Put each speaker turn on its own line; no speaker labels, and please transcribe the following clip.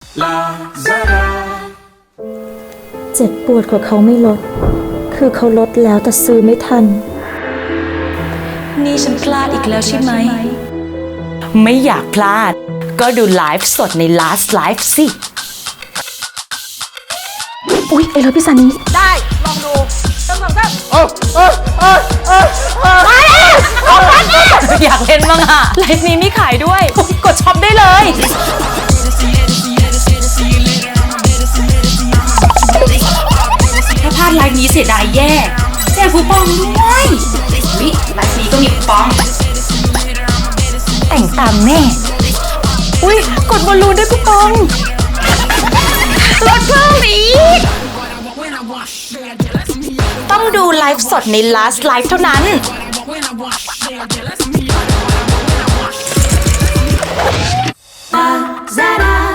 เจ็บปวดกว่าเขาไม่ลด คือเขาลดแล้วแต่ซื้อไม่ทัน
นี่ฉันพลาดอีกแล้วใช่ไหม
ไม่อยากพลาด ก็ดูไลฟ์สดใน Last Live สิ
อุ๊ยไอ้รถพี่ซานี
ได้ลองดูต้องทำแบบอยากเล่นบ้างอะไลฟ์นี้มีขายด้วย กดช็อปได้เลย
ถ้าพลาดไลฟ์นี้เสียดายแย่แจกคูปองด้วยวิไลฟ์นี้ก็มีคูปอง แต่งตามแน่
อุ้ยกดบอลลูนได้คูปองลดเพิ่มอีก
ต้องดูไลฟ์สดใน Last Live เท่านั้น
Zara